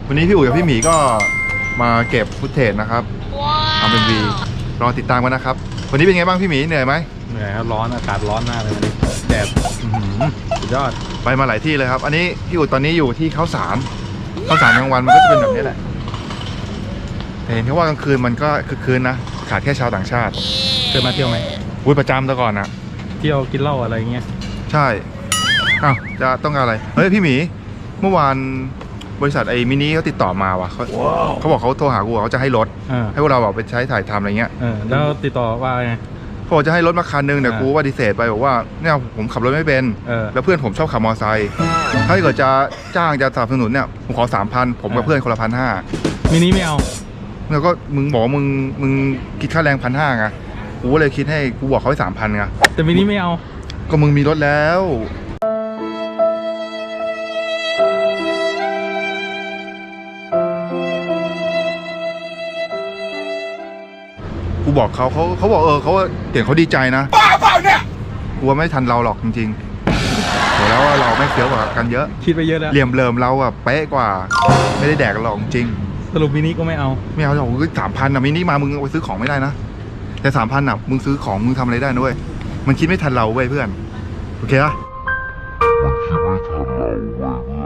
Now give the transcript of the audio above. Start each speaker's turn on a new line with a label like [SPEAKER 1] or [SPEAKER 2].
[SPEAKER 1] วันนี้พี่อุ๋ยกับพี่หมีก็มาเก็บฟุตเทจนะครับทำเป็นวีรอติดตามกันนะครับวันนี้เป็นไงบ้างพี่หมีเหนื่อยไหม
[SPEAKER 2] เหนื่อยครับร้อนอากาศร้อนมากเลยวันนี้แดดสุดยอด
[SPEAKER 1] ไปมาหลายที่เลยครับอันนี้พี่อุ๋ยตอนนี้อยู่ที่ข้าวสารกลางวันมันก็จะเป็นแบบนี้แหละแต่เห็นแค่ว่ากลางคืนมันก็คือคืนนะขาดแค่ชาวต่างชาติ
[SPEAKER 2] เคยมาเที่ยวไหม
[SPEAKER 1] อุ้ยประจำแต่ก่อนนะ
[SPEAKER 2] เที่ยวกินเหล้าอะไรเงี้ย
[SPEAKER 1] ใช่อ้าวจะต้องการอะไรเฮ้ยพี่หมีเมื่อวานบริษัทไอ้มินิเขาติดต่อมาว่ะเขาบอกเขาโทรหากูเขาจะให้รถให้พวกเราแบบไปใช้ถ่ายทำอะไรเงี้ย
[SPEAKER 2] แล้วติดต่อว่าไง
[SPEAKER 1] เขาบอกจะให้รถมาคันนึงแต่กูปฏิเสธไปบอกว่าเนี่ยผมขับรถไม่เป็นแล้วเพื่อนผมชอบขับมอเตอร์ไซค์ถ้าเกิดจะจ้างจะสนับสนุนเนี่ยผมขอ 3,000 ผมกับเพื่อนคนละ1,500
[SPEAKER 2] มินิไม่เอา
[SPEAKER 1] แล้วก็มึงบอกมึงคิดค่าแรง1,500ไงกูก็เลยคิดให้กูบอกเขาให้3,000ไง
[SPEAKER 2] แต่มินิไม่เอา
[SPEAKER 1] ก็มึงมีรถแล้วกูบอกเขาบอกเขาเห็นเขาดีใจนะบ้าเปล่าเนี่ยกูว่าไม่ทันเราหรอกจริงๆโหแล้วเราไม่เฟี้ยวกว่ากันเยอะ
[SPEAKER 2] คิดไปเยอะแล้ว
[SPEAKER 1] เหลี่ยมเลิมเราอะเป๊ะกว่าไม่ได้แดกกันหรอกจริง
[SPEAKER 2] สรุปมินิก็ไม่เอา
[SPEAKER 1] หรอก3,000อะมินิมามึงเอาไปซื้อของไม่ได้นะแต่3,000อะมึงซื้อของมึงทำอะไรได้นะเว้ยมันคิดไม่ทันเราเว้ยเพื่อนโอเคปะมันคิดไม่ทันเราเว้ย